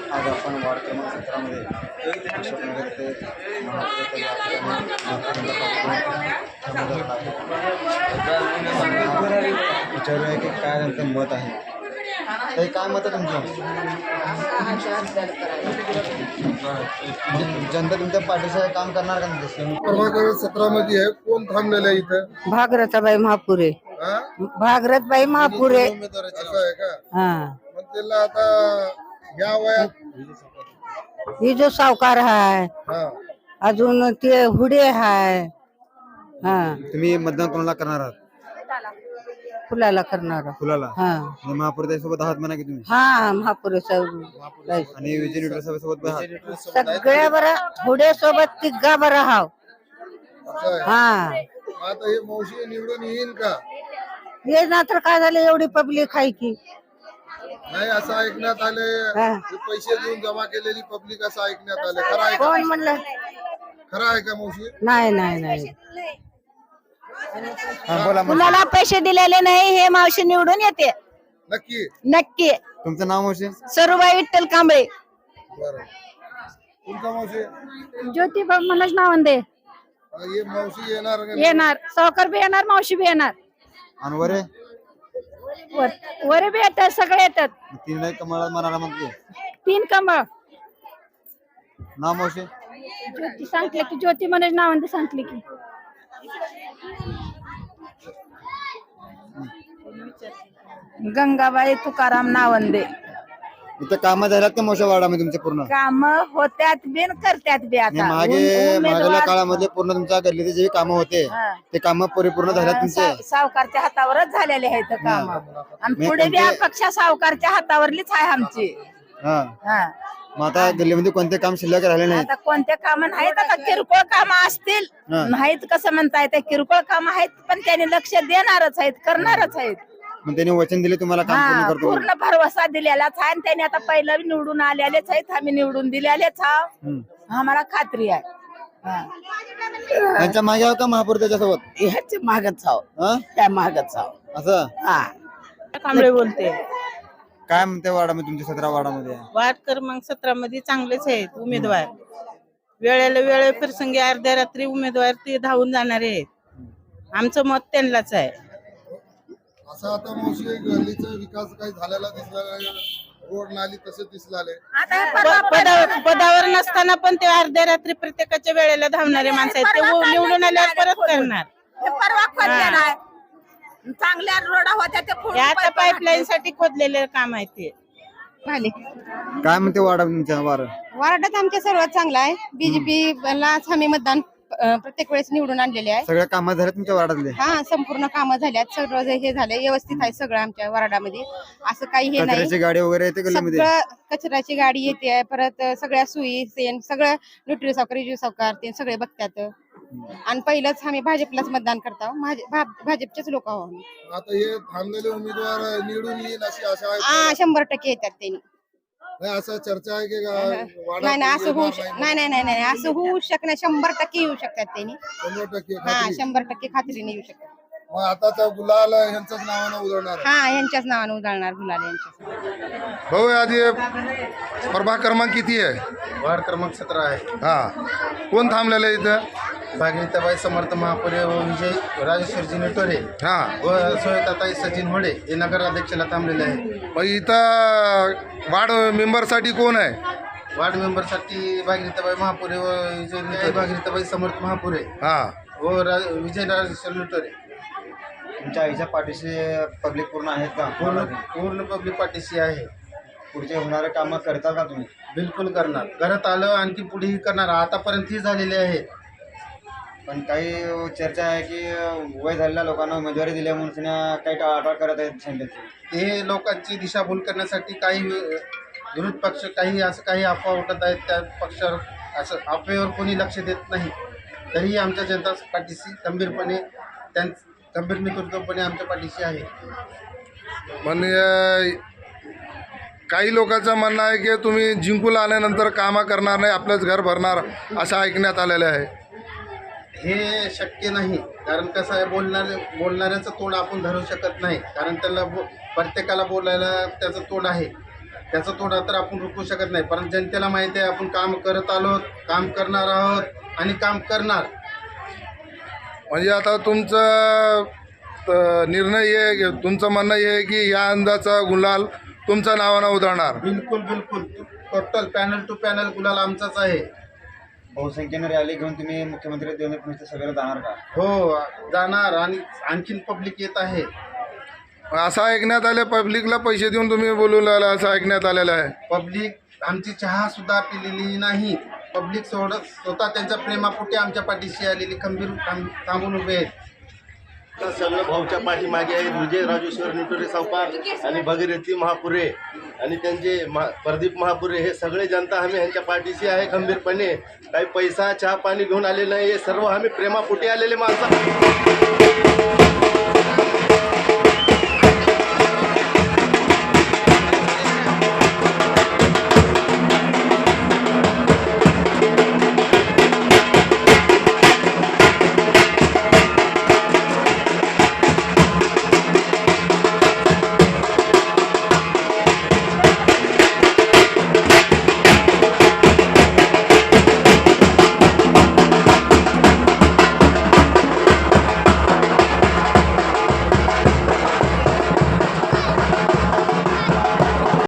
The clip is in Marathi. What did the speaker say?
आज आपण वार्ड क्रमांक 17 मध्ये अशोकनगर ते महापुराच्या या ठिकाणी विचारूया की काय त्यांचं मत आहे. ताई, काय मत आहे तुमचं? जनता तुमच्या पाठीचं काम करणार का नाही? क्रमांक 17 मध्ये आहे. कोण थांबलेलं आहे इथं? भागरथबाई महापुरे. हा? भागरथबाई महापुरे. असं आहे का? हा, मग त्याला आता या वयात ही जो सावकार आहे, हा अजून ते हुडे आहे. हा, तुम्ही मतदान कोणाला करणार आहात? फुलाला करणार. फुलाला. हा आणि महापुर सोबत आहात म्हणा की तुम्ही, हा महापुरे साहेब आणि विजय निवडणूक सभेसोबत पण आहात. सगळ्या बरं हुडे सोबत तिघा बरं हाव. असं आहे. हा, मग आता हे मावशी निवडून येईन का? ये ना तर काय झालं, एवढी पब्लिक आहे की. नाही, असं ऐकण्यात आले हा. पैसे देऊन जमा केलेली पब्लिक असं ऐकण्यात आले. खरं आहे का? कोण म्हणलं? खरं आहे का मावशी? नाही नाही नाही, हा, बोला. कुणाला पैसे दिलेले नाही, हे मावशी निवडून येते नक्की. नक्की. तुमचं नाव मावशी? सरूबाई विठ्ठल कांबळे. बरं. तुमचा मावशी? ज्योतिबा मनोज नावंदे हे मावशी येणार का? येणार, सावकार बी येणार, मावशी बी येणार, आणि वरे वरे बी येतात, सगळे येतात. तीन नाही कमळा मनाला म्हणते. 3 कमळ. नाव मावशी? ज्योती सांगले की, ज्योती मनोज नावंदे सांगले की. गंगाबाई तुकाराम नावंदे. इथं कामं झाल्यात का मोठ्या वार्डामध्ये तुमच्या पूर्ण? काम होत्यात बिन करत्यात बी आणि आता. मागल्या काळामध्ये पूर्ण तुमच्या गल्लीचे जे कामं होते ते कामं परिपूर्ण झाल्यात तुमचे? सावकारच्या हातावरच झालेले आहेत काम. आणि पुढे बी अपेक्षा सावकारच्या हातावरलीच आहे आमची. हा. हा, मग आता गल्लीमध्ये कोणते काम शिल्लक राहिले नाहीत? आता कोणते काम नाहीत, आता किरकोळ काम असतील. हा. नाहीत कसं म्हणताय, ते किरकोळ काम आहेत, पण त्यांनी लक्ष देणारच आहेत, करणारच आहेत. मग त्यांनी वचन दिले तुम्हाला काम पूर्ण हा, करतो म्हणून. पूर्ण भरवसा दिलेलाच आहे. आणि त्यांनी आता पहिलं निवडून आलेलेच आहेत, आम्ही निवडून दिलेलेच आहोत. हम्म. आम्हाला खात्री आहे. हा. त्यांच्या मागे आहो का महापौर त्याच्यासोबत? ह्याच्या मागच आहो, हा? त्या मागच आहो. असं हा, कांबळे बोलते. काय म्हणते वार्डामध्ये तुमच्या 17 वार्डामध्ये? वार्ड क्रमांक 17 मध्ये चांगलेच आहेत उमेदवार. वेळेला वेळे प्रसंगी अर्ध्या रात्री उमेदवार ते धावून जाणारे आहेत. आमचं मत त्यांनाच आहे. असं आता मावशी गल्लीचा विकास काही झालेला दिसला नाही. रोड नाली तसे दिसलाले. आता हे परवा पदावर नसताना पण ते अर्ध्या रात्री प्रत्येकाच्या वेळेला धावणारे माणसं आहेत. ते निवडून आल्यावर परत करणार. हे परवा खोदले नाही. चांगल्या रोडा होत्या ते हे आता पाईपलाईन साठी खोदलेले काम आहे ते. काय म्हणते वार्ड तुमच्या वार्डात आमच्या सर्वात चांगला आहे. बीजेपी लाच आम्ही मतदान प्रत्येक वेळेस निवडून आणलेले आहे. सगळ्या कामं झाले तुमच्या वार्डातले? हा, संपूर्ण कामं झाल्यात, सगळं हे झालंय, व्यवस्थित आहे सगळं आमच्या वार्डामध्ये. असं काही हे नाही. कचऱ्याची गाडी वगैरे येते गल्लीमध्ये? सगळं कचऱ्याची गाडी येते, परत सगळ्या सोयी तेन सगळं न्यूट्री सावकार, रिजू सावकार ते सगळे बघतात. आणि पहिलंच आम्ही भाजपलाच मतदान करतो. भाजपचेच लोक आहोत आम्ही. आता हे थांबलेले उमेदवार निवडून येईल अशी आशा आहे? हा, 100% येतात त्यांनी. नाही, असं चर्चा आहे की नाही नाही, असं होऊ नाही नाही नाही नाही, असं होऊ शकणार. 100% येऊ शकतात त्यांनी. 100% हा, खात्री. 100% खात्रीने येऊ शकतात. मग आता त्या गुलाल यांच्याच नावानं उधळणार आहे. हा, यांच्याच नावाने उधळणार गुलाल यांच्याच. भाऊ, आधी प्रभाग क्रमांक किती आहे? वार्ड क्रमांक 17 आहे. हा, कोण थांबलेलं आहे इथं? भागीरथीबाई समर्थ महापुरे व विजय राजेश्वरजी नेटोरे हा, व सोयताताई सचिन होडे हे नगराध्यक्षाला थांबलेले आहे. मग इथं वार्ड मेंबरसाठी कोण आहे? वार्ड मेंबरसाठी भागीरथीबाई महापुरे व विजय भागीरथीबाई समर्थ महापुरे हा, व विजय राजेश्वर नेटोरे. तुमच्या आईच्या पाठीशी पब्लिक पूर्ण आहेत का? पूर्ण पब्लिक पाठीशी आहे. पुढचे होणारे कामं करता का तुम्ही? बिलकुल करणार. करत आलं, आणखी पुढेही करणार. आतापर्यंत ही झालेली आहे. पण काही चर्चा आहे की वय झालेल्या लोकांना उमेदवारी दिल्या म्हणून काही टाळाटाळ करत आहेत संघाची. हे लोकांची दिशाभूल करण्यासाठी काही विरोध पक्ष काही अफवा उठत आहेत. त्या पक्षावर असं अफवेवर कोणी लक्ष देत नाही. तरीही आमच्या जनता पाठीशी खंबीरपणे गंभीर नेतृत्वपणे आमच्या पाठीशी आहे. म्हणजे काही लोकांचं म्हणणं आहे की तुम्ही जिंकून आल्यानंतर कामं करणार नाही, आपलंच घर भरणार असं ऐकण्यात आलेलं आहे. हे शक्य नाही. कारण कसं आहे, बोलणाऱ्याचं तोंड आपण धरू शकत नाही. कारण त्याला प्रत्येकाला बोलायला त्याचं तोंड आहे. त्याचा तोडा तर आपण रोखू शकत नाही, पण जनतेला माहिती आहे आपण काम करत आलो, काम करणार आहोत आणि काम करणार. म्हणजे आता तुमचा निर्णय आहे, तुमचं म्हणणं हे आहे की या अंदाचा गुलाल तुमच्या नावानं उधळणार. बिलकुल बिलकुल टोटल पॅनल टू पॅनल गुलाल आमचाच आहे. बहुसंख्येनं रॅली घेऊन तुम्ही मुख्यमंत्री देवेंद्र फडणवीस सभेला जाणार का? हो जाणार, आणि आणखीन पब्लिक येत आहे. असं ऐकण्यात आलं पब्लिकला पैसे देऊन तुम्ही बोलू लागला, असं ऐकण्यात आलेलं आहे. पब्लिक आमची चहा सुद्धा पिलेली नाही. पब्लिक स्वतः त्यांच्या प्रेमापोटी आमच्या पाठीशी आलेली खंबीर थांबून उभे आहेत. तर सगळं भाऊच्या पाठीमागे आहेत. विजय राजेश्वर निटोरे सावकार आणि भगीरथी महापुरे आणि त्यांचे प्रदीप महापुरे हे सगळे जनता आम्ही ह्यांच्या पाठीशी आहे खंबीरपणे. काही पैसा चहा पाणी घेऊन आलेलं नाही, हे सर्व आम्ही प्रेमापोटी आलेले माणसं.